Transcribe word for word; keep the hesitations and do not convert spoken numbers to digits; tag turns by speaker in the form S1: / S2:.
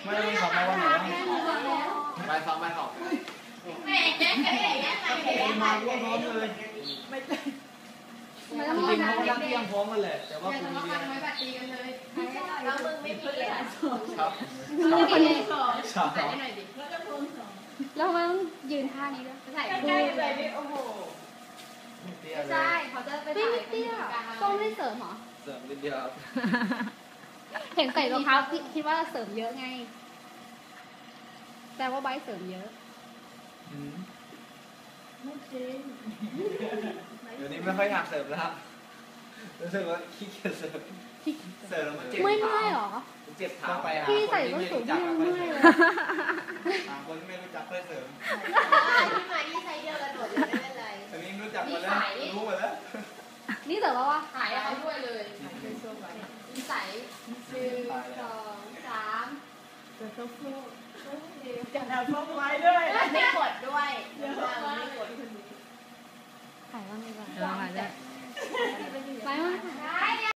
S1: ไม่ต้องสอบมาวันไหนไปสอบไปสอบ
S2: แม่แย่แม่แย่แม่
S1: มาพร้อมเลยไม่จริงเขาก็รักที่ยังพร้อมกันแหละแต่ว่าคุณมีเรียน
S2: ไม่บัดตีกันเลยแล้วมึงไม่มีเลย
S1: ครับ
S2: มึงคนนี้สอง
S1: ถ่าย
S2: ให้หน่อยดิแล้วจะโพสสอง
S3: แล้วมันยืนท่านี้ด้วย
S2: ถ่ายใกล้ๆเลยนี่โอ้โหใช่เขาจะไปถ่าย
S3: เตี้ยต้องไม่เสริมหรอ
S1: เสริมนิดเดียว
S3: เห็นใส่รองเท้าคิดว่าเสริมเยอะไงแต่ว่าใบเสริมเยอะ
S2: ไม่จริง
S1: เดี๋ยวนี้ไม่ค่อยอยากเสริมแล้วรู้สึกว่าขี้เกียจเสริมเสริมแล้วมันเจ็บ
S3: ไม่เมื่อยหรอ
S1: เจ็บเท้าไปหา
S3: พี่ใส่ส้นสูงพี่ยังเมื่อยเลย
S1: หาคนที่ไม่รู้จักค่อยเสริม
S2: พี่มาที่ไซส์เดียวกันหมดเลยไม่เป็นไร
S1: อันนี้รู้จักหมดแล้วรู้หมดแล้ว
S3: นี่แต่ว่า
S2: ขายเขาด้วยเลยนิสัยหนึ่งสองสามจะต้องพูดจะเอาพกไว้ด้วยไม่กดด้วยไม่กดคนนี้
S3: ขายบ้างดีกว่า
S2: ขายได้